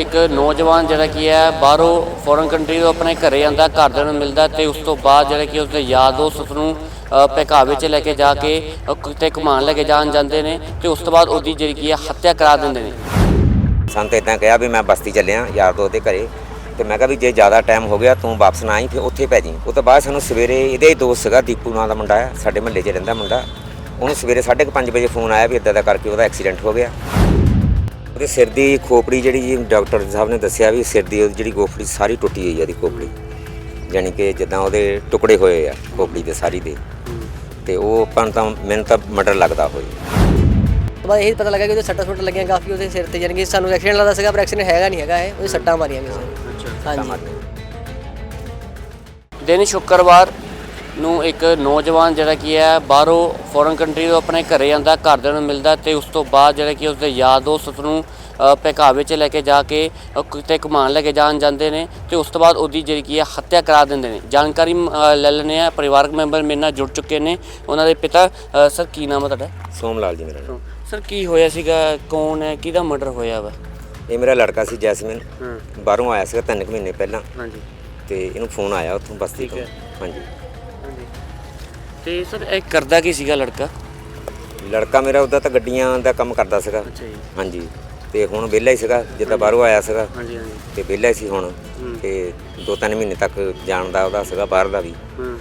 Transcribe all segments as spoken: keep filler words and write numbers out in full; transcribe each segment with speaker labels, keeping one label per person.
Speaker 1: एक नौजवान जिहड़ा की है बाहरों फॉरन कंट्री तो अपने घरे आंदा, घरदिਆਂ ਨੂੰ ਮਿਲਦਾ ਤੇ ਉਸ ਤੋਂ ਬਾਅਦ ਜਿਹੜਾ ਕਿ ਉਸਦੇ ਯਾਰ ਦੋਸਤ ਉਸਨੂੰ ਭਕਾਵੇ 'ਚ ਲੈ ਕੇ ਜਾ ਕੇ ਕਿਤੇ ਘੁਮਾਉਣ ਲੈ ਕੇ ਜਾਣ ਜਾਂਦੇ ਨੇ ਤੇ ਉਸ ਤੋਂ ਬਾਅਦ ਉਹਦੀ ਜਿਹੜੀ ਕੀ ਹੈ ਹੱਤਿਆ ਕਰਾ ਦਿੰਦੇ ਨੇ।
Speaker 2: ਸਾਨੂੰ ਤਾਂ ਇੱਦਾਂ ਕਿਹਾ ਵੀ ਮੈਂ ਬਸਤੀ ਚੱਲਿਆ ਯਾਰ ਦੋਸਤ ਦੇ ਘਰੇ ਤੇ ਮੈਂ ਕਿਹਾ ਵੀ ਜੇ ਜ਼ਿਆਦਾ ਟਾਈਮ ਹੋ ਗਿਆ ਤੂੰ ਵਾਪਸ ਨਾ ਆਈ ਫਿਰ ਉੱਥੇ ਪੈ ਜੀ। ਉਹ ਤੋਂ ਬਾਅਦ ਸਾਨੂੰ ਸਵੇਰੇ ਇਹਦੇ ਹੀ ਦੋਸਤ ਸੀਗਾ ਦੀਪੂ ਨਾਂ ਦਾ ਮੁੰਡਾ ਹੈ, ਸਾਡੇ ਮਹੱਲੇ 'ਚ ਰਹਿੰਦਾ ਮੁੰਡਾ, ਉਹਨੂੰ ਸਵੇਰੇ ਸਾਢੇ ਕੁ ਪੰਜ ਵਜੇ ਫੋਨ ਆਇਆ ਵੀ ਇੱਦਾਂ ਦਾ ਕਰਕੇ ਉਹਦਾ ਐਕਸੀਡੈਂਟ ਹੋ ਗਿਆ। ਉਹਦੇ ਸਿਰ ਦੀ ਖੋਪੜੀ ਜਿਹੜੀ ਜੀ ਡਾਕਟਰ ਸਾਹਿਬ ਨੇ ਦੱਸਿਆ ਵੀ ਸਿਰ ਦੀ ਉਹਦੀ ਜਿਹੜੀ ਖੋਪੜੀ ਸਾਰੀ ਟੁੱਟੀ ਹੋਈ ਆ ਉਹਦੀ ਖੋਪੜੀ, ਯਾਨੀ ਕਿ ਜਿੱਦਾਂ ਉਹਦੇ ਟੁਕੜੇ ਹੋਏ ਆ ਖੋਪੜੀ ਦੇ ਸਾਰੀ ਦੇ, ਤੇ ਉਹ ਆਪਾਂ ਤਾਂ ਮੈਨੂੰ ਤਾਂ ਮਰਡਰ ਲੱਗਦਾ ਹੋਈ।
Speaker 3: ਬਸ ਇਹੀ ਪਤਾ ਲੱਗਾ ਕਿ ਉਹਦੇ ਸੱਟਾਂ ਸੁੱਟਾਂ ਲੱਗੀਆਂ ਕਾਫੀ ਉਹਦੇ ਸਿਰ ਤੇ, ਯਾਨੀ ਕਿ ਸਾਨੂੰ ਐਕਸੀਡੈਂਟ ਲੱਗਦਾ ਸੀਗਾ ਪਰ ਐਕਸੀਡੈਂਟ ਹੈਗਾ ਨਹੀਂ ਹੈਗਾ, ਇਹ ਉਹਦੇ ਸੱਟਾਂ ਮਾਰੀਆਂ ਕਿਸੇ। ਹਾਂਜੀ।
Speaker 1: ਦਿਨ ਸ਼ੁੱਕਰਵਾਰ ਨੂੰ ਇੱਕ ਨੌਜਵਾਨ ਜਿਹੜਾ ਕੀ ਹੈ ਬਾਹਰੋਂ ਫੋਰਨ ਕੰਟਰੀ ਤੋਂ ਆਪਣੇ ਘਰੇ ਆਂਦਾ, ਘਰਦਿਆਂ ਨੂੰ ਮਿਲਦਾ ਤੇ ਉਸ ਤੋਂ ਬਾਅਦ ਜਿਹੜਾ ਕਿ ਉਸਦੇ ਯਾਰ ਦੋਸਤ ਉਸਨੂੰ ਭਕਾਵੇ 'ਚ ਲੈ ਕੇ ਜਾ ਕੇ ਕਿਤੇ ਘੁਮਾਉਣ ਲੈ ਕੇ ਜਾਣ ਜਾਂਦੇ ਨੇ ਤੇ ਉਸ ਤੋਂ ਬਾਅਦ ਉਹਦੀ ਜਿਹੜੀ ਕੀ ਹੈ ਹੱਤਿਆ ਕਰਾ ਦਿੰਦੇ ਨੇ। ਜਾਣਕਾਰੀ ਲੈ ਲੈਂਦੇ ਆ, ਪਰਿਵਾਰਕ ਮੈਂਬਰ ਮੇਰੇ ਨਾਲ ਜੁੜ ਚੁੱਕੇ ਨੇ, ਉਹਨਾਂ ਦੇ ਪਿਤਾ। ਸਰ ਕੀ ਨਾਮ ਹੈ ਤੁਹਾਡਾ?
Speaker 2: ਸੋਮ ਲਾਲ ਜੀ ਮੇਰਾ ਨਾਮ।
Speaker 1: ਸਰ ਕੀ ਹੋਇਆ ਸੀਗਾ, ਕੌਣ ਹੈ, ਕਿਹਦਾ ਮਰਡਰ ਹੋਇਆ ਵਾ?
Speaker 2: ਇਹ ਮੇਰਾ ਲੜਕਾ ਸੀ ਜੈਸਮਿਨ, ਬਾਹਰੋਂ ਆਇਆ ਸੀਗਾ ਤਿੰਨ ਕੁ ਮਹੀਨੇ ਪਹਿਲਾਂ।
Speaker 1: ਹਾਂਜੀ। ਤੇ
Speaker 2: ਇਹਨੂੰ ਫੋਨ ਆਇਆ ਉੱਥੋਂ ਬਸਤੀ ਤੋਂ। ਹਾਂਜੀ।
Speaker 1: ਤੇ ਸਰ ਇਹ ਕਰਦਾ ਕੀ ਸੀਗਾ ਲੜਕਾ?
Speaker 2: ਲੜਕਾ ਮੇਰਾ ਉਹਦਾ ਤਾਂ ਗੱਡੀਆਂ ਦਾ ਕੰਮ ਕਰਦਾ ਸੀਗਾ।
Speaker 1: ਅੱਛਾ ਜੀ।
Speaker 2: ਹਾਂਜੀ। ਤੇ ਹੁਣ ਵਿਹਲਾ ਹੀ ਸੀਗਾ, ਜਿੱਦਾਂ ਬਾਹਰੋਂ ਆਇਆ ਸੀਗਾ।
Speaker 1: ਹਾਂਜੀ ਹਾਂਜੀ।
Speaker 2: ਤੇ ਵਿਹਲਾ ਹੀ ਸੀ ਹੁਣ, ਤੇ ਦੋ ਤਿੰਨ ਮਹੀਨੇ ਤੱਕ ਜਾਣ ਦਾ ਉਹਦਾ ਸੀਗਾ ਬਾਹਰ ਦਾ ਵੀ।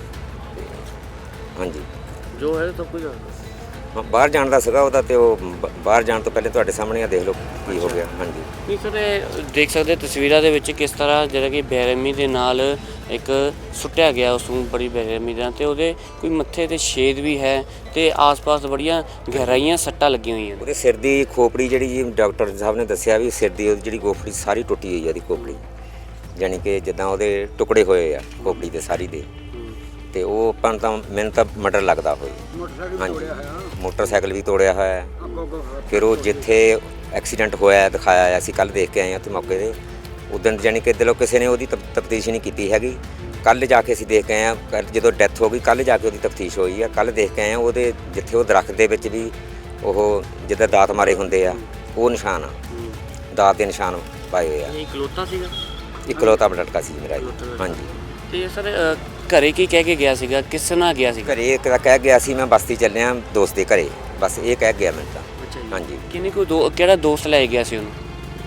Speaker 2: ਹਾਂਜੀ।
Speaker 1: ਜੋ ਹੈ ਤਾਂ ਕੋਈ
Speaker 2: ਹਾਂ, ਬਾਹਰ ਜਾਣ ਦਾ ਸੀਗਾ ਉਹਦਾ, ਤੇ ਉਹ ਬਾਹਰ ਜਾਣ ਤੋਂ ਪਹਿਲੇ ਤੁਹਾਡੇ ਸਾਹਮਣੇ ਆ ਦੇਖ ਲਓ ਕੀ ਹੋ ਗਿਆ। ਹਾਂਜੀ।
Speaker 1: ਨਹੀਂ ਸਰ, ਇਹ ਦੇਖ ਸਕਦੇ ਤਸਵੀਰਾਂ ਦੇ ਵਿੱਚ ਕਿਸ ਤਰ੍ਹਾਂ ਜਿਹੜਾ ਕਿ ਬੇਰਹਿਮੀ ਦੇ ਨਾਲ ਇੱਕ ਸੁੱਟਿਆ ਗਿਆ ਉਸ ਨੂੰ, ਬੜੀ ਬੇਰਹਿਮੀ ਨਾਲ, ਤੇ ਉਹਦੇ ਕੋਈ ਮੱਥੇ ਤੇ ਛੇਦ ਵੀ ਹੈ ਤੇ ਆਸ-ਪਾਸ ਬੜੀਆਂ ਗਹਿਰਾਈਆਂ ਸੱਟਾਂ ਲੱਗੀਆਂ ਹੋਈਆਂ।
Speaker 2: ਉਹਦੇ ਸਿਰ ਦੀ ਖੋਪੜੀ ਜਿਹੜੀ ਜੀ ਡਾਕਟਰ ਸਾਹਿਬ ਨੇ ਦੱਸਿਆ ਵੀ ਸਿਰ ਦੀ ਉਹਦੀ ਜਿਹੜੀ ਖੋਪੜੀ ਸਾਰੀ ਟੁੱਟੀ ਹੋਈ ਆ ਉਹਦੀ ਖੋਪੜੀ, ਯਾਨੀ ਕਿ ਜਿੱਦਾਂ ਉਹਦੇ ਟੁਕੜੇ ਹੋਏ ਆ ਖੋਪੜੀ ਦੇ ਸਾਰੀ ਦੇ, ਤੇ ਉਹ ਆਪਾਂ ਤਾਂ ਮੈਨੂੰ ਤਾਂ ਮਰਡਰ ਲੱਗਦਾ ਹੋਈ। ਹਾਂਜੀ। ਮੋਟਰਸਾਈਕਲ ਵੀ ਤੋੜਿਆ ਹੋਇਆ। ਫਿਰ ਉਹ ਜਿੱਥੇ ਐਕਸੀਡੈਂਟ ਹੋਇਆ ਦਿਖਾਇਆ, ਅਸੀਂ ਕੱਲ੍ਹ ਦੇਖ ਕੇ ਆਏ ਹਾਂ ਉੱਥੇ ਮੌਕੇ 'ਤੇ। ਉਦੋਂ ਯਾਨੀ ਕਿ ਦਿਲੋਂ ਕਿਸੇ ਨੇ ਉਹਦੀ ਤਫਤੀਸ਼ ਨਹੀਂ ਕੀਤੀ ਹੈਗੀ। ਕੱਲ੍ਹ ਜਾ ਕੇ ਅਸੀਂ ਦੇਖ ਕੇ ਆਏ ਹਾਂ, ਜਦੋਂ ਡੈਥ ਹੋ ਗਈ ਕੱਲ੍ਹ ਜਾ ਕੇ ਉਹਦੀ ਤਫਤੀਸ਼ ਹੋਈ ਆ। ਕੱਲ੍ਹ ਦੇਖ ਕੇ ਆਏ ਹਾਂ ਉਹਦੇ ਜਿੱਥੇ ਉਹ ਦਰੱਖਤ ਦੇ ਵਿੱਚ ਵੀ ਉਹ ਜਿੱਦਾਂ ਦਾਤ ਮਾਰੇ ਹੁੰਦੇ ਆ ਉਹ ਨਿਸ਼ਾਨ ਆ, ਦਾਤ ਦੇ ਨਿਸ਼ਾਨ ਪਾਏ ਹੋਏ ਆ।
Speaker 1: ਇਕਲੌਤਾ ਸੀਗਾ?
Speaker 2: ਇਕਲੌਤਾ ਲੜਕਾ ਸੀ ਮੇਰਾ। ਹਾਂਜੀ।
Speaker 1: ਤੇ ਸਰ ਘਰੇ ਕੀ ਕਹਿ ਕੇ ਗਿਆ ਸੀਗਾ, ਕਿਸ ਨਾਲ ਗਿਆ ਸੀ?
Speaker 2: ਘਰੇ ਇੱਕ ਕਹਿ ਗਿਆ ਸੀ ਮੈਂ ਬਸਤੀ ਚੱਲਿਆ ਦੋਸਤ ਦੇ ਘਰੇ, ਬਸ ਇਹ ਕਹਿ ਗਿਆ ਮੈਨੂੰ ਤਾਂ। ਹਾਂਜੀ।
Speaker 1: ਕਿੰਨੀ ਕੋਈ ਦੋ ਕਿਹੜਾ ਦੋਸਤ ਲੈ ਗਿਆ ਸੀ ਉਹਨੂੰ?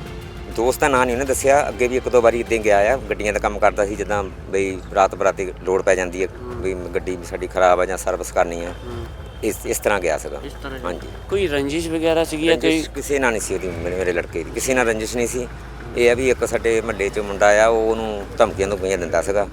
Speaker 2: ਦੋਸਤ ਦਾ ਨਾਂ ਨਹੀਂ ਉਹਨੇ ਦੱਸਿਆ, ਅੱਗੇ ਵੀ ਇੱਕ ਦੋ ਵਾਰੀ ਇੱਦਾਂ ਗਿਆ ਆ, ਗੱਡੀਆਂ ਦਾ ਕੰਮ ਕਰਦਾ ਸੀ, ਜਿੱਦਾਂ ਬਈ ਰਾਤ ਬਰਾਤੀ ਲੋੜ ਪੈ ਜਾਂਦੀ ਹੈ ਵੀ ਗੱਡੀ ਸਾਡੀ ਖਰਾਬ ਆ ਜਾਂ ਸਰਵਿਸ ਕਰਨੀ ਆ, ਇਸ ਇਸ ਤਰ੍ਹਾਂ ਗਿਆ ਸੀਗਾ। ਹਾਂਜੀ।
Speaker 1: ਕੋਈ ਰੰਜਿਸ਼ ਵਗੈਰਾ ਸੀਗੀ ਜਾਂ ਕੋਈ?
Speaker 2: ਕਿਸੇ ਨਾਲ ਨਹੀਂ ਸੀ ਉਹਦੀ, ਮੇਰੇ ਮੇਰੇ ਲੜਕੇ ਦੀ ਕਿਸੇ ਨਾਲ ਰੰਜਿਸ਼ ਨਹੀਂ ਸੀ। ਇਹ ਆ ਵੀ ਇੱਕ ਸਾਡੇ ਮਹੱਲੇ 'ਚ ਮੁੰਡਾ ਆ, ਉਹ ਉਹਨੂੰ ਧਮਕੀਆਂ ਧਮਕੀਆਂ ਦਿੰਦਾ ਸੀਗਾ,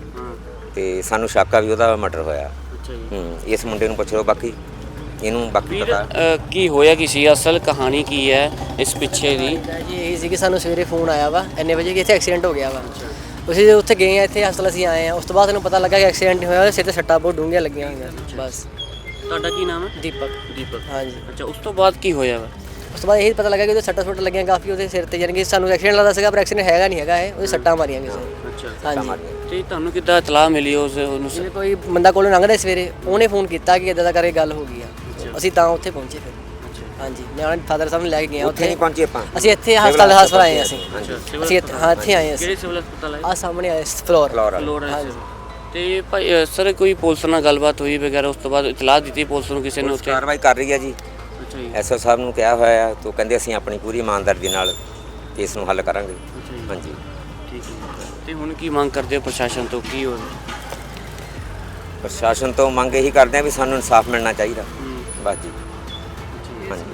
Speaker 2: ਤੇ ਸਾਨੂੰ ਸ਼ੱਕ ਆ ਵੀ ਉਹਦਾ ਮਰਡਰ ਹੋਇਆ।
Speaker 1: ਅੱਛਾ ਜੀ।
Speaker 2: ਹੂੰ। ਇਸ ਮੁੰਡੇ ਨੂੰ ਪੁੱਛ ਲਓ, ਬਾਕੀ ਇਹਨੂੰ ਬਾਕੀ ਪਤਾ
Speaker 1: ਕੀ ਹੋਇਆ ਕੀ ਸੀ, ਅਸਲ ਕਹਾਣੀ ਕੀ ਹੈ ਇਸ ਪਿੱਛੇ ਦੀ?
Speaker 3: ਜੀ ਇਹੀ ਸੀ ਕਿ ਸਾਨੂੰ ਸਵੇਰੇ ਫੋਨ ਆਇਆ ਵਾ ਇੰਨੇ ਵਜੇ ਕਿ ਇੱਥੇ ਐਕਸੀਡੈਂਟ ਹੋ ਗਿਆ ਵਾ। ਅਸੀਂ ਉੱਥੇ ਗਏ ਆ, ਇੱਥੇ ਹਸਪਤਾਲ ਅਸੀਂ ਆਏ ਆ, ਉਸ ਤੋਂ ਬਾਅਦ ਸਾਨੂੰ ਪਤਾ ਲੱਗਾ ਕਿ ਐਕਸੀਡੈਂਟ ਹੋਇਆ, ਉਹਦੇ ਸਿਰ ਤੇ ਸੱਟਾਂ ਬਹੁਤ ਡੂੰਘੀਆਂ ਲੱਗੀਆਂ ਹੋਈਆਂ। ਬਸ।
Speaker 1: ਤੁਹਾਡਾ ਕੀ ਨਾਮ ਹੈ?
Speaker 3: ਦੀਪਕ।
Speaker 1: ਦੀਪਕ।
Speaker 3: ਹਾਂਜੀ।
Speaker 1: ਅੱਛਾ, ਉਸ ਤੋਂ ਬਾਅਦ ਕੀ ਹੋਇਆ ਵਾ?
Speaker 3: ਉਸ ਤੋਂ ਬਾਅਦ ਇਹੀ ਪਤਾ ਲੱਗਾ ਕਿ ਉਹਦੇ ਸੱਟਾਂ ਸੁੱਟਾਂ ਲੱਗੀਆਂ ਕਾਫੀ ਉਹਦੇ ਸਿਰ ਤੇ, ਯਾਨੀ ਕਿ ਸਾਨੂੰ ਐਕਸੀਡੈਂਟ ਲੱਗਦਾ ਸੀਗਾ ਪਰ ਐਕਸੀਡੈਂਟ ਹੈਗਾ ਨਹੀਂ ਹੈਗਾ, ਇਹ ਉਹਦੇ ਸੱਟਾਂ ਮਾਰੀਆਂ ਕਿਸੇ।
Speaker 1: ਅੱਛਾ।
Speaker 3: ਹਾਂਜੀ।
Speaker 1: ਤੇ ਤੁਹਾਨੂੰ ਕਿੱਦਾਂ ਇਤਲਾਹ ਮਿਲੀ ਉਸ ਉਹਨੂੰ?
Speaker 3: ਜਿਵੇਂ ਕੋਈ ਬੰਦਾ ਕੋਲੋਂ ਲੰਘਦਾ ਸਵੇਰੇ, ਉਹਨੇ ਫੋਨ ਕੀਤਾ ਕਿ ਇੱਦਾਂ ਦਾ ਕਰਕੇ ਗੱਲ ਹੋ ਗਈ ਆ, ਅਸੀਂ ਤਾਂ ਉੱਥੇ ਪਹੁੰਚੇ ਫਿਰ। ਹਾਂਜੀ। ਮੈਂ ਫਾਦਰ ਸਾਹਿਬ ਨੂੰ ਲੈ ਕੇ ਗਿਆ
Speaker 2: ਉੱਥੇ ਨਹੀਂ ਪਹੁੰਚੇ ਆਪਾਂ,
Speaker 3: ਅਸੀਂ ਇੱਥੇ ਹਸਪਤਾਲ ਹਸਪਤਾਲ ਆਏ ਅਸੀਂ।
Speaker 1: ਅਸੀਂ
Speaker 3: ਅਸੀਂ ਹਾਂ ਇੱਥੇ ਆਏ ਅਸੀਂ।
Speaker 1: ਕਿਹੜੇ ਸਿਵਲ ਹਸਪਤਾਲ ਆਏ?
Speaker 3: ਆ ਸਾਹਮਣੇ ਆਏ ਫਲੋਰ।
Speaker 1: ਫਲੋਰ। ਤੇ ਭਾਈ ਸਰ ਕੋਈ ਪੁਲਿਸ ਨਾਲ ਗੱਲਬਾਤ ਹੋਈ ਵਗੈਰਾ, ਉਸ ਤੋਂ ਬਾਅਦ ਇਤਲਾਹ ਦਿੱਤੀ ਪੁਲਿਸ ਨੂੰ ਕਿਸੇ ਨੇ ਉੱਥੇ?
Speaker 2: ਕਾਰਵਾਈ ਕਰ ਰਹੀ ਹੈ ਜੀ।
Speaker 1: ਅੱਛਾ ਜੀ।
Speaker 2: ਐਸਓ ਸਾਹਿਬ ਨੂੰ ਕਿਹਾ ਹੋਇਆ ਆ, ਤੋਂ ਕਹਿੰਦੇ ਅਸੀਂ ਆਪਣੀ ਪੂਰੀ ਇਮਾਨਦਾਰੀ ਦੇ ਨਾਲ ਕੇਸ ਨੂੰ ਹੱਲ ਕਰਾਂਗੇ। ਹਾਂਜੀ।
Speaker 1: ਠੀਕ ਹੈ। ਤੇ ਹੁਣ ਕੀ ਮੰਗ ਕਰਦੇ ਹੋ ਪ੍ਰਸ਼ਾਸਨ ਤੋਂ, ਕੀ ਹੋ?
Speaker 2: ਪ੍ਰਸ਼ਾਸਨ ਤੋਂ ਮੰਗ ਇਹੀ ਕਰਦੇ ਆ ਵੀ ਸਾਨੂੰ ਇਨਸਾਫ ਮਿਲਣਾ ਚਾਹੀਦਾ, ਬਸ ਜੀ। ਹਾਂਜੀ।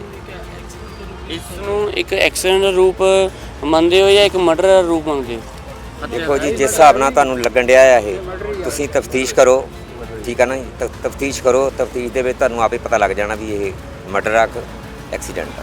Speaker 1: ਇਸ ਨੂੰ ਇੱਕ ਐਕਸੀਡੈਂਟ ਦਾ ਰੂਪ ਮੰਨਦੇ ਹੋ ਜਾਂ ਇੱਕ ਮਰਡਰ ਦਾ ਰੂਪ ਮੰਨਦੇ ਹੋ?
Speaker 2: ਦੇਖੋ ਜੀ, ਜਿਸ ਹਿਸਾਬ ਨਾਲ ਤੁਹਾਨੂੰ ਲੱਗਣ ਡਿਆ ਆ ਇਹ, ਤੁਸੀਂ ਤਫਤੀਸ਼ ਕਰੋ, ਠੀਕ ਆ ਨਾ ਜੀ, ਤਫਤੀਸ਼ ਕਰੋ, ਤਫਤੀਸ਼ ਦੇ ਵਿੱਚ ਤੁਹਾਨੂੰ ਆਪੇ ਪਤਾ ਲੱਗ ਜਾਣਾ ਵੀ ਇਹ ਮਰਡਰ ਆ ਕਿ ਐਕਸੀਡੈਂਟ ਆ।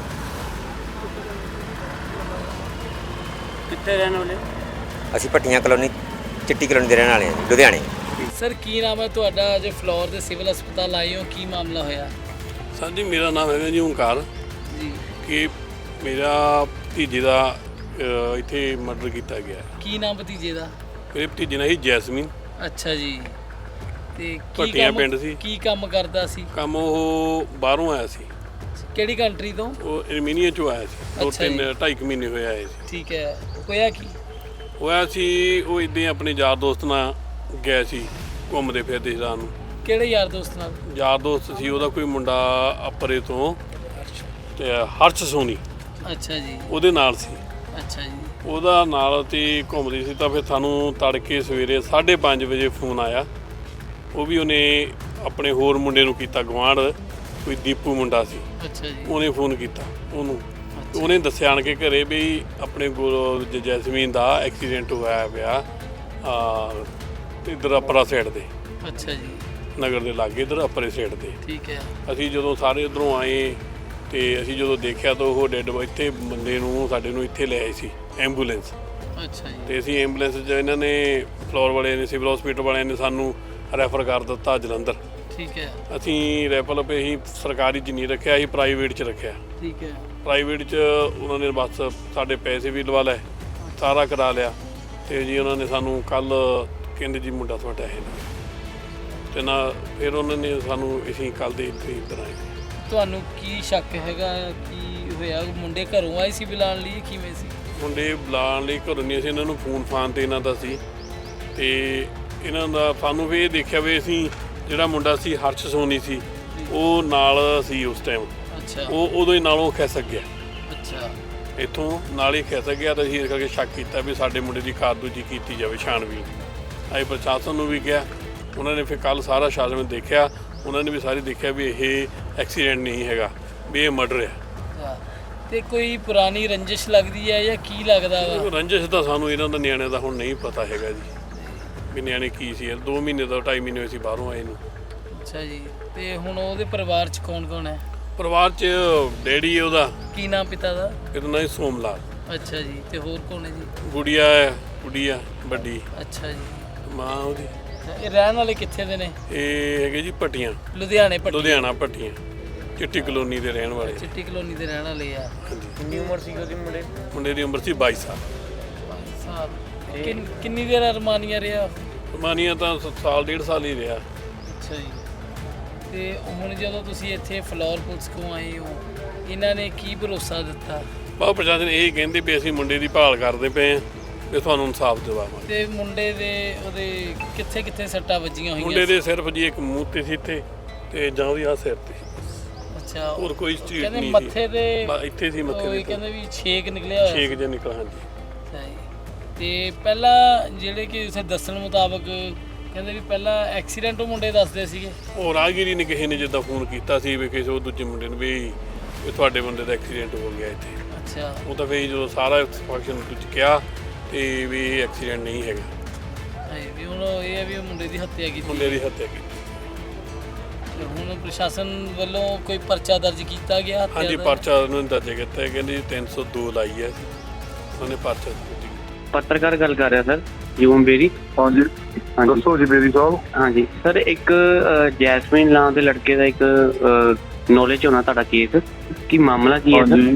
Speaker 1: ਕਿੱਥੇ ਰਹਿਣ ਵਾਲੇ?
Speaker 2: ਅਸੀਂ ਭੱਟੀਆਂ ਕਲੋਨੀ, ਚਿੱਟੀ ਕਲੋਨੀ ਦੇ ਰਹਿਣ ਵਾਲੇ ਹਾਂ, ਲੁਧਿਆਣੇ।
Speaker 4: ਸਰ ਕੀ ਨਾਮ ਹੈ ਤੁਹਾਡਾ? ਅੱਜ ਫਲੋਰ ਦੇ ਸਿਵਲ ਹਸਪਤਾਲ ਆਏ ਹੋ, ਕੀ ਮਾਮਲਾ ਹੋਇਆ?
Speaker 5: ਸਰ ਜੀ ਮੇਰਾ ਨਾਮ ਹੈਗਾ ਜੀ ਓਂਕਾਰ
Speaker 4: ਜੀ।
Speaker 5: ਕਿ ਮੇਰਾ ਭਤੀਜੇ ਦਾ ਇੱਥੇ ਮਰਡਰ ਕੀਤਾ ਗਿਆ।
Speaker 4: ਕੀ ਨਾਮ ਭਤੀਜੇ ਦਾ?
Speaker 5: ਮੇਰੇ ਭਤੀਜੇ ਨਾਲ ਹੀ ਜੈਸਮੀਨ।
Speaker 4: ਅੱਛਾ ਜੀ। ਤੇ ਕੀ
Speaker 5: ਭੱਟੀਆਂ
Speaker 4: ਕੰਮ
Speaker 5: ਪਿੰਡ ਸੀ।
Speaker 4: ਕੀ ਕੰਮ ਕਰਦਾ ਸੀ?
Speaker 5: ਕੰਮ ਉਹ ਬਾਹਰੋਂ ਆਇਆ ਸੀ।
Speaker 4: ਕਿਹੜੀ ਕੰਟਰੀ ਤੋਂ?
Speaker 5: ਉਹ ਅਰਮੀਨੀਆ ਚੋਂ ਆਇਆ ਸੀ, ਦੋ
Speaker 4: ਅੱਛਾ ਜੀ।
Speaker 5: ਤਿੰਨ ਢਾਈ ਕੁ ਮਹੀਨੇ ਹੋਏ ਆਏ ਸੀ।
Speaker 4: ਠੀਕ ਹੈ। ਹੋਇਆ ਕੀ?
Speaker 5: ਹੋਇਆ ਸੀ ਉਹ ਇੱਦਾਂ ਹੀ ਆਪਣੇ ਯਾਰ ਦੋਸਤ ਨਾਲ ਗਏ ਸੀ ਘੁੰਮਦੇ ਫਿਰਦੇ ਸੀ ਰਾਤ ਨੂੰ।
Speaker 4: ਕਿਹੜੇ ਯਾਰ ਦੋਸਤ ਨਾਲ?
Speaker 5: ਯਾਰ ਦੋਸਤ ਸੀ ਉਹਦਾ ਕੋਈ ਮੁੰਡਾ ਅਪਰੇ ਤੋਂ, ਤੇ ਹਰਸ਼ ਸੋਨੀ
Speaker 4: ਅੱਛਾ ਜੀ।
Speaker 5: ਉਹਦੇ ਨਾਲ ਸੀ।
Speaker 4: ਅੱਛਾ ਜੀ।
Speaker 5: ਉਹਦਾ ਨਾਲ ਤੇ ਘੁੰਮਦੀ ਸੀ ਤਾਂ ਫਿਰ ਸਾਨੂੰ ਤੜਕੇ ਸਵੇਰੇ ਸਾਢੇ ਪੰਜ ਵਜੇ ਫੋਨ ਆਇਆ। ਉਹ ਵੀ ਉਹਨੇ ਆਪਣੇ ਹੋਰ ਮੁੰਡੇ ਨੂੰ ਕੀਤਾ, ਗੁਆਂਢ ਕੋਈ ਦੀਪੂ ਮੁੰਡਾ ਸੀ,
Speaker 4: ਅੱਛਾ ਜੀ।
Speaker 5: ਉਹਨੇ ਫੋਨ ਕੀਤਾ ਉਹਨੂੰ। ਉਹਨੇ ਦੱਸਿਆ ਆਣ ਕੇ ਘਰੇ ਵੀ ਆਪਣੇ ਗੁਰੂ ਜ- ਜੈਸਮੀਨ ਦਾ ਐਕਸੀਡੈਂਟ ਹੋਇਆ ਪਿਆ ਆ ਇੱਧਰ ਅਪਰਾ ਸਾਈਡ ਦੇ,
Speaker 4: ਅੱਛਾ ਜੀ।
Speaker 5: ਨਗਰ ਦੇ ਲਾਗੇ ਇੱਧਰ ਅਪਰੇ ਸਾਈਡ ਦੇ।
Speaker 4: ਠੀਕ ਹੈ।
Speaker 5: ਅਸੀਂ ਜਦੋਂ ਸਾਰੇ ਉੱਧਰੋਂ ਆਏ ਤੇ ਅਸੀਂ ਜਦੋਂ ਦੇਖਿਆ ਤਾਂ ਉਹ ਡੈਡ ਇੱਥੇ ਬੰਦੇ ਨੂੰ ਸਾਡੇ ਨੂੰ ਇੱਥੇ ਲੈ ਆਏ ਸੀ ਐਂਬੂਲੈਂਸ।
Speaker 4: ਅੱਛਾ ਜੀ।
Speaker 5: ਤੇ ਅਸੀਂ ਐਂਬੂਲੈਂਸ 'ਚ ਇਹਨਾਂ ਨੇ ਫਲੋਰ ਵਾਲਿਆਂ ਨੇ, ਸਿਵਲ ਹਸਪੀਟਲ ਵਾਲਿਆਂ ਨੇ ਸਾਨੂੰ ਰੈਫਰ ਕਰ ਦਿੱਤਾ ਜਲੰਧਰ।
Speaker 4: ਠੀਕ ਹੈ।
Speaker 5: ਅਸੀਂ ਰੈਫਰ ਪੇ ਅਸੀਂ ਸਰਕਾਰੀ 'ਚ ਨਹੀਂ ਰੱਖਿਆ, ਅਸੀਂ ਪ੍ਰਾਈਵੇਟ 'ਚ ਰੱਖਿਆ।
Speaker 4: ਠੀਕ ਹੈ।
Speaker 5: ਪ੍ਰਾਈਵੇਟ 'ਚ ਉਹਨਾਂ ਨੇ ਬਸ ਸਾਡੇ ਪੈਸੇ ਵੀ ਲਵਾ ਲਏ, ਸਾਰਾ ਕਰਾ ਲਿਆ। ਤੇ ਜੀ ਉਹਨਾਂ ਨੇ ਸਾਨੂੰ ਕੱਲ ਕਹਿੰਦੇ ਜੀ ਮੁੰਡਾ ਤੁਹਾਡਾ ਹੈ ਨਾ, ਤੇ ਨਾ ਫਿਰ ਉਹਨਾਂ ਨੇ ਸਾਨੂੰ ਅਸੀਂ ਕੱਲ ਦੇ ਇੱਥੇ ਇੱਧਰ ਆਏ।
Speaker 4: ਤੁਹਾਨੂੰ ਕੀ ਸ਼ੱਕ ਹੈਗਾ ਕੀ ਹੋਇਆ? ਮੁੰਡੇ ਘਰੋਂ ਆਏ ਸੀ ਬੁਲਾਉਣ ਲਈ, ਕਿਵੇਂ ਸੀ?
Speaker 5: ਮੁੰਡੇ ਬੁਲਾਉਣ ਲਈ ਘਰੋਂ ਨਹੀਂ ਸੀ, ਇਹਨਾਂ ਨੂੰ ਫੋਨ ਫਾਨ ਤੇ ਇਹਨਾਂ ਦਾ ਸੀ। ਤੇ ਇਹਨਾਂ ਦਾ ਸਾਨੂੰ ਵੀ ਇਹ ਦੇਖਿਆ ਵੀ ਅਸੀਂ ਜਿਹੜਾ ਮੁੰਡਾ ਸੀ ਹਰਸ਼ ਸੋਨੀ ਸੀ ਉਹ ਨਾਲ ਸੀ ਉਸ ਟਾਈਮ।
Speaker 4: ਅੱਛਾ।
Speaker 5: ਉਹ ਉਦੋਂ ਹੀ ਨਾਲੋਂ ਖਿਸਕ ਗਿਆ,
Speaker 4: ਅੱਛਾ।
Speaker 5: ਇੱਥੋਂ ਨਾਲ ਹੀ ਖਿਸਕ ਗਿਆ। ਤਾਂ ਅਸੀਂ ਇਸ ਕਰਕੇ ਸ਼ੱਕ ਕੀਤਾ ਵੀ ਸਾਡੇ ਮੁੰਡੇ ਦੀ ਕਾਰਦੂਜੀ ਕੀਤੀ ਜਾਵੇ, ਛਾਣਬੀਨ। ਅਸੀਂ ਪ੍ਰਸ਼ਾਸਨ ਨੂੰ ਵੀ ਕਿਹਾ, ਉਹਨਾਂ ਨੇ ਫਿਰ ਕੱਲ ਸਾਰਾ ਸ਼ਾਸਨ ਦੇਖਿਆ, ਉਹਨਾਂ ਨੇ ਵੀ ਸਾਰੇ ਦੇਖਿਆ ਵੀ ਇਹ ਐਕਸੀਡੈਂਟ ਨਹੀਂ ਹੈਗਾ, ਵੀ ਇਹ ਮਰਡਰ ਹੈ।
Speaker 4: ਅੱਛਾ। ਤੇ ਕੋਈ ਪੁਰਾਣੀ ਰੰਜਿਸ਼ ਲੱਗਦੀ ਹੈ ਜਾਂ ਕੀ ਲੱਗਦਾ ਵਾ?
Speaker 5: ਰੰਜਿਸ਼ ਤਾਂ ਸਾਨੂੰ ਇਹਨਾਂ ਦਾ ਨਿਆਣਿਆਂ ਦਾ ਹੁਣ ਨਹੀਂ ਪਤਾ ਹੈਗਾ ਜੀ ਵੀ ਨਿਆਣੇ ਕੀ ਸੀ। ਦੋ ਮਹੀਨੇ ਦਾ ਢਾਈ ਮਹੀਨੇ ਹੋਏ ਸੀ ਬਾਹਰੋਂ ਆਏ ਨੂੰ।
Speaker 4: ਅੱਛਾ ਜੀ। ਤੇ ਹੁਣ ਉਹਦੇ ਪਰਿਵਾਰ 'ਚ ਕੌਣ ਕੌਣ ਹੈ?
Speaker 5: ਪਰਿਵਾਰ 'ਚ ਡੈਡੀ ਹੈ ਉਹਦਾ,
Speaker 4: ਕੀ ਨਾਮ ਪਿਤਾ ਦਾ?
Speaker 5: ਇਹਦਾ ਨਾਂ ਸੋਮ ਲਾਲ।
Speaker 4: ਅੱਛਾ ਜੀ। ਤੇ ਹੋਰ ਕੌਣ ਹੈ ਜੀ?
Speaker 5: ਗੁੜੀਆ ਹੈ, ਗੁੜੀਆ ਵੱਡੀ,
Speaker 4: ਅੱਛਾ ਜੀ।
Speaker 5: ਮਾਂ ਉਹਦੀ।
Speaker 4: ਇਹ ਰਹਿਣ ਵਾਲੇ ਕਿੱਥੇ ਦੇ ਨੇ?
Speaker 5: ਇਹ ਹੈਗੇ ਜੀ ਭੱਟੀਆਂ,
Speaker 4: ਲੁਧਿਆਣੇ ਪੱਟੀ।
Speaker 5: ਲੁਧਿਆਣਾ ਭੱਟੀਆਂ, ਚਿੱਟੀ ਕਲੋਨੀ ਦੇ ਰਹਿਣ ਵਾਲੇ।
Speaker 4: ਚਿੱਟੀ ਕਲੋਨੀ ਦੇ ਰਹਿਣ ਵਾਲੇ ਆ।
Speaker 3: ਕਿੰਨੀ ਉਮਰ ਸੀ ਉਹਦੀ ਮੁੰਡੇ?
Speaker 5: ਮੁੰਡੇ ਦੀ ਉਮਰ ਸੀ ਬਾਈ ਸਾਲ।
Speaker 4: ਸਾਹਿਬ ਕਿੰਨ- ਕਿੰਨੀ ਦੇਰ ਅਰਮਾਨੀਆ ਰਿਹਾ?
Speaker 5: ਮਾਨੀਆਂ ਤਾਂ ਸ- ਸਾਲ ਡੇਢ ਸਾਲ ਹੀ ਰਿਹਾ।
Speaker 4: ਅੱਛਾ ਜੀ। ਤੇ ਹੁਣ ਜਦੋਂ ਤੁਸੀਂ ਇੱਥੇ ਫਲੋਰ ਪੁਲਿਸ ਕੋਲ ਆਏ ਹੋ, ਇਹਨਾਂ ਨੇ ਕੀ ਭਰੋਸਾ ਦਿੱਤਾ?
Speaker 5: ਬਹੁਤ ਪ੍ਰਸ਼ਾਸਨ ਇਹ ਕਹਿੰਦੇ ਵੀ ਅਸੀਂ ਮੁੰਡੇ ਦੀ ਭਾਲ ਕਰਦੇ ਪਏ ਹਾਂ ਤੇ ਤੁਹਾਨੂੰ ਇਨਸਾਫ ਦਿਵਾਵਾਂਗੇ।
Speaker 4: ਤੇ ਮੁੰਡੇ ਦੇ ਉਹਦੇ ਕਿੱਥੇ ਕਿੱਥੇ ਸੱਟਾਂ ਵੱਜੀਆਂ ਹੋਈਆਂ?
Speaker 5: ਮੁੰਡੇ ਦੇ ਸਿਰਫ ਜੀ ਇੱਕ ਮੂੰਹ ਤੇ ਸੀ ਇੱਥੇ, ਤੇ ਜਾਂ ਉਹਦੀ ਆਹ ਸਿਰ ਤੇ।
Speaker 4: ਅੱਛਾ।
Speaker 5: ਹੋਰ ਕੋਈ ਚੀਜ਼
Speaker 4: ਕਹਿੰਦੇ
Speaker 5: ਨਹੀਂ
Speaker 4: ਮੱਥੇ
Speaker 5: ਸੀ।
Speaker 4: ਤੇ
Speaker 5: ਬਸ ਇੱਥੇ ਸੀ ਮੱਥੇ
Speaker 4: ਉਹ
Speaker 5: ਦੇ
Speaker 4: ਕਹਿੰਦੇ ਵੀ ਛੇਕ ਨਿਕਲਿਆ ਹੋਇਆ
Speaker 5: ਛੇਕ ਜਿਹਾ ਨਿਕਲ। ਹਾਂਜੀ।
Speaker 4: ਅੱਛਾ ਜੀ। ਤੇ ਪਹਿਲਾਂ ਜਿਹੜੇ ਕਿ ਉਸੇ ਦੱਸਣ ਮੁਤਾਬਕ ਕਹਿੰਦੇ ਵੀ ਪਹਿਲਾਂ ਐਕਸੀਡੈਂਟ ਉਹ ਮੁੰਡੇ ਦੱਸਦੇ ਸੀਗੇ।
Speaker 5: ਉਹ ਰਾਹਗੀਰੀ ਨੇ ਕਿਸੇ ਨੇ ਜਿੱਦਾਂ ਫੋਨ ਕੀਤਾ ਸੀ ਵੀ ਕਿਸੇ ਉਹ ਦੂਜੇ ਮੁੰਡੇ ਨੂੰ ਵੀ ਵੀ ਤੁਹਾਡੇ ਬੰਦੇ ਦਾ ਐਕਸੀਡੈਂਟ ਹੋ ਗਿਆ ਇੱਥੇ।
Speaker 4: ਅੱਛਾ।
Speaker 5: ਉਹ ਤਾਂ ਫਿਰ ਜਦੋਂ ਸਾਰਾ ਫੰਕਸ਼ਨ ਵਿੱਚ ਕਿਹਾ ਤੇ ਵੀ ਐਕਸੀਡੈਂਟ ਨਹੀਂ ਹੈਗਾ,
Speaker 4: ਹਾਂਜੀ, ਵੀ ਹੁਣ ਇਹ ਹੈ ਵੀ ਉਹ ਮੁੰਡੇ ਦੀ ਹੱਤਿਆ ਕੀਤੀ।
Speaker 5: ਮੁੰਡੇ ਦੀ ਹੱਤਿਆ ਕੀਤੀ।
Speaker 4: ਤੇ ਹੁਣ ਪ੍ਰਸ਼ਾਸਨ ਵੱਲੋਂ ਕੋਈ ਪਰਚਾ ਦਰਜ ਕੀਤਾ ਗਿਆ ਹੱਤਿਆ
Speaker 5: ਹਾਂਜੀ,
Speaker 4: ਦਾ?
Speaker 5: ਪਰਚਾ ਉਹਨੂੰ ਦਰਜ ਕੀਤਾ ਹੈ, ਕਹਿੰਦੇ ਤਿੰਨ ਸੌ ਦੋ ਲਾਈ ਹੈ, ਉਹਨੇ ਪਰਚਾ ਦਰਜ ਕੀਤਾ।
Speaker 6: ਪੱਤਰਕਾਰ ਗੱਲ ਕਰ ਰਿਹਾ ਸਰ, ਯੂਮ ਬੇਰੀ।
Speaker 7: ਹਾਂਜੀ
Speaker 6: ਹਾਂਜੀ
Speaker 7: ਦੱਸੋ ਜੀ ਬੇਰੀ ਸਾਹਿਬ।
Speaker 6: ਹਾਂਜੀ ਸਰ, ਇੱਕ ਅ, ਜੈਸਮੀਨ ਨਾਂ ਦੇ ਲੜਕੇ ਦਾ ਇੱਕ ਨੌਲੇਜ ਹੋਣਾ ਤੁਹਾਡਾ ਕੇਸ, ਕੀ ਮਾਮਲਾ ਕੀ ਹੈ ਸਰ?
Speaker 7: ਹਾਂਜੀ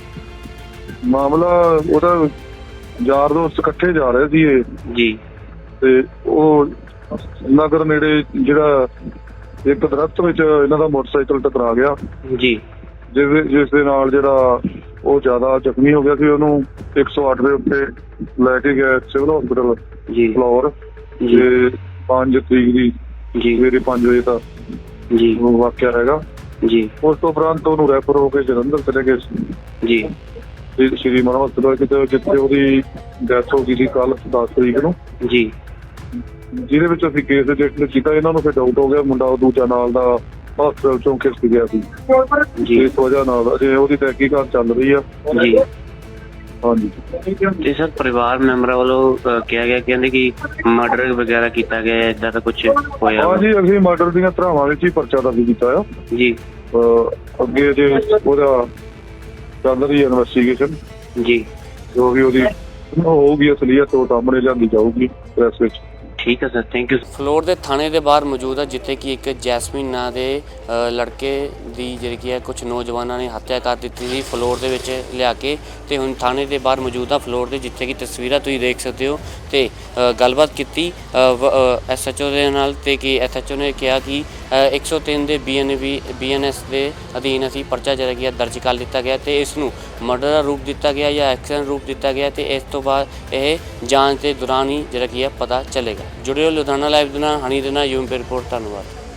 Speaker 7: ਮਾਮਲਾ ਉਹਦਾ ਯਾਰ ਦੋਸਤ ਇਕੱਠੇ ਜਾ ਰਹੇ ਸੀ ਇਹ,
Speaker 6: ਜੀ
Speaker 7: ਤੇ ਉਹ ਨਗਰ ਨੇੜੇ ਜਿਹੜਾ ਇੱਕ ਦਰਖਤ ਵਿੱਚ ਇਹਨਾਂ ਦਾ ਮੋਟਰਸਾਈਕਲ ਟਕਰਾ ਗਿਆ,
Speaker 6: ਜੀ
Speaker 7: ਜਿਸ ਜਿਸ ਦੇ ਨਾਲ ਜਿਹੜਾ ਉਹ ਜ਼ਿਆਦਾ ਜ਼ਖਮੀ ਹੋ ਗਿਆ ਸੀ। ਉਹਨੂੰ ਇੱਕ ਸੌ ਅੱਠ ਦੇ ਉੱਤੇ ਲੈ ਕੇ ਗਏ ਸਿਵਲ ਹਸਪੀਟਲ
Speaker 6: ਜੀ
Speaker 7: ਫਲੋਰ,
Speaker 6: ਜੀ
Speaker 7: ਤੇ ਪੰਜ ਤਰੀਕ ਦੀ
Speaker 6: ਜੀ
Speaker 7: ਸਵੇਰੇ ਪੰਜ ਵਜੇ ਦਾ
Speaker 6: ਜੀ
Speaker 7: ਵਾਕਿਆ ਹੈਗਾ।
Speaker 6: ਜੀ
Speaker 7: ਉਸ ਤੋਂ ਉਪਰੰਤ ਉਹਨੂੰ ਰੈਫਰ ਹੋ ਕੇ ਜਲੰਧਰ ਚਲੇ ਗਏ
Speaker 6: ਜੀ
Speaker 7: ਸ਼੍ਰੀ- ਸ਼੍ਰੀ ਮਾਨ ਹਸਪਤਾਲ, ਕਿਤੇ ਜਿੱਥੇ ਉਹਦੀ ਡੈਥ ਹੋ ਗਈ ਸੀ ਕੱਲ ਦਸ ਤਰੀਕ ਨੂੰ,
Speaker 6: ਜੀ
Speaker 7: ਜਿਹਦੇ ਵਿੱਚ ਅਸੀਂ ਕੇਸ ਰਜਿਸਟਰ ਕੀਤਾ। ਇਹਨਾਂ ਨੂੰ ਫਿਰ ਡਾਊਟ ਹੋ ਗਿਆ, ਮੁੰਡਾ ਉਹ ਦੂਜਾ ਨਾਲ ਦਾ ਹਸਪਤਾਲ ਚੋਂ ਖਿਸਕ ਗਿਆ ਸੀ,
Speaker 6: ਜੀ
Speaker 7: ਇਸ ਵਜ੍ਹਾ ਨਾਲ ਅਜੇ ਉਹਦੀ ਤਹਿਕੀਕਾਤ ਚੱਲ ਰਹੀ ਆ।
Speaker 6: ਜੀ
Speaker 7: ਹਾਂਜੀ
Speaker 6: ਤੇ ਸਰ, ਪਰਿਵਾਰ ਮੈਂਬਰਾਂ ਵੱਲੋਂ ਅ, ਕਿਹਾ ਗਿਆ, ਕਹਿੰਦੇ ਕਿ ਮਰਡਰ ਵਗੈਰਾ ਕੀਤਾ ਗਿਆ, ਇਦਾਂ ਦਾ ਕੁਝ ਹੋਇਆ ਵਾ?
Speaker 7: ਹਾਂਜੀ, ਅਸੀਂ ਮਰਡਰ ਦੀਆਂ ਧਾਰਾਵਾਂ ਵਿੱਚ ਹੀ ਪਰਚਾ ਦਰਜ ਕੀਤਾ ਆ।
Speaker 6: ਜੀ
Speaker 7: ਅਹ ਅੱਗੇ ਜੇ ਉਹਦਾ ਚੱਲ ਰਹੀ ਇਨਵੈਸਟੀਗੇਸ਼ਨ,
Speaker 6: ਜੀ
Speaker 7: ਜੋ ਵੀ ਉਹਦੀ ਹੋਊਗੀ ਅਸਲੀਅਤ ਉਹ ਸਾਹਮਣੇ ਲਿਆਂਦੀ ਜਾਊਗੀ ਪ੍ਰੈਸ ਵਿੱਚ।
Speaker 6: ਠੀਕ ਹੈ ਸਰ, ਥੈਂਕ ਯੂ।
Speaker 1: ਫਲੋਰ ਦੇ ਥਾਣੇ ਦੇ ਬਾਹਰ ਮੌਜੂਦ ਹੈ, ਜਿੱਥੇ ਕਿ ਇੱਕ ਜੈਸਮੀਨ ਨਾਂ ਦੇ ਅ, ਲੜਕੇ ਦੀ ਜਿਹੜੀ ਕੀ ਹੈ ਕੁਝ ਨੌਜਵਾਨਾਂ ਨੇ ਹੱਤਿਆ ਕਰ ਦਿੱਤੀ ਸੀ ਫਲੋਰ ਦੇ ਵਿੱਚ ਲਿਆ ਕੇ, ਤੇ ਹੁਣ ਥਾਣੇ ਦੇ ਬਾਹਰ ਮੌਜੂਦ ਆ ਫਲੋਰ ਦੇ, ਜਿੱਥੇ ਕਿ ਤਸਵੀਰਾਂ ਤੁਸੀਂ ਦੇਖ ਸਕਦੇ ਹੋ। ਤੇ ਅ, ਗੱਲਬਾਤ ਕੀਤੀ ਐਸ ਐਚ ਓ ਦੇ ਨਾਲ, ਤੇ ਕਿ ਐਸ ਐਚ ਓ ਨੇ ਕਿਹਾ ਕਿ ਇੱਕ ਸੌ ਤਿੰਨ ਦੇ B N B B N S ਦੇ ਅਧੀਨ ਅਸੀਂ ਪਰਚਾ ਜਿਹੜਾ ਕੀ ਹੈ ਦਰਜ ਕਰ ਦਿੱਤਾ ਗਿਆ ਤੇ ਇਸ ਨੂੰ ਮਰਡਰ ਦਾ ਰੂਪ ਦਿੱਤਾ ਗਿਆ ਜਾਂ ਐਕਸੀਡੈਂਟ ਰੂਪ ਦਿੱਤਾ ਗਿਆ ਤੇ ਇਸ ਤੋਂ ਬਾਅਦ ਇਹ ਜਾਂਚ ਦੇ ਦੌਰਾਨ ਹੀ ਜਿਹੜਾ ਕੀ ਹੈ ਪਤਾ ਚੱਲੇਗਾ। ਜੁੜਿਓ ਲੁਧਿਆਣਾ ਲਾਈਵ ਦੇ ਨਾਲ ਹਨੀ ਦੇ ਨਾਲ ਯੂਮ ਰਿਪੋਰਟ। ਧੰਨਵਾਦ।